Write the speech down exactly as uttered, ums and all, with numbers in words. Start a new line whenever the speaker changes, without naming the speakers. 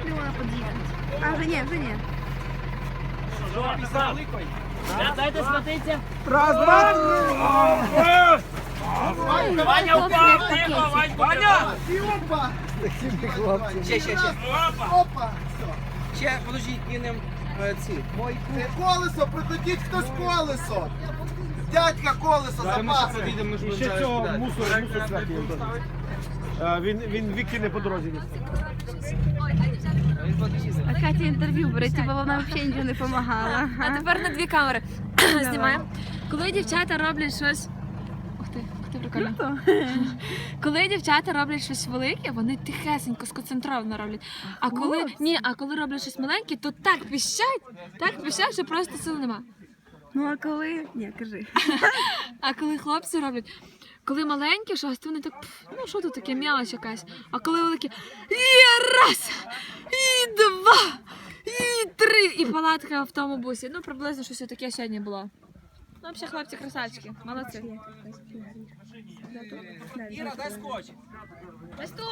миллионов подъехать. А, уже нет, уже нет.
Дайте смотрите.
Раз, два,
Ваня упав, тихо, Вань, Ваня!
Опа!
Ще, ще, ще.
Опа!
Ще, подождіть, кинем е, ці. Мойку.
Це колесо, прикрутіть хтось колесо! Дядька колесо запасить!
І ще цього мусор, мусор сверху. Е, Він, він викине по дорозі.
А Катя інтерв'ю бере, типу вона взагалі нічого не допомагала.
А тепер на дві камери знімаємо. Коли дівчата роблять щось. Ух ти, ух ти, прикольно. Коли дівчата роблять щось велике, вони тихесенько, сконцентровано роблять. А коли ні, а коли роблять щось маленьке, то так піщать, так піщать, що просто сил нема.
Ну а коли? Ні, кажи.
А коли хлопці роблять, коли маленькі щось, то вони так, пф, ну що тут таке, м'ялоч якась. А коли великі, і раз, і два, і три, і палатка в тому бусі. Ну, приблизно щось таке сьогодні було. Ну, взагалі, хлопці красавчики, молодці.
Іра, дай скотч.
Ось тут.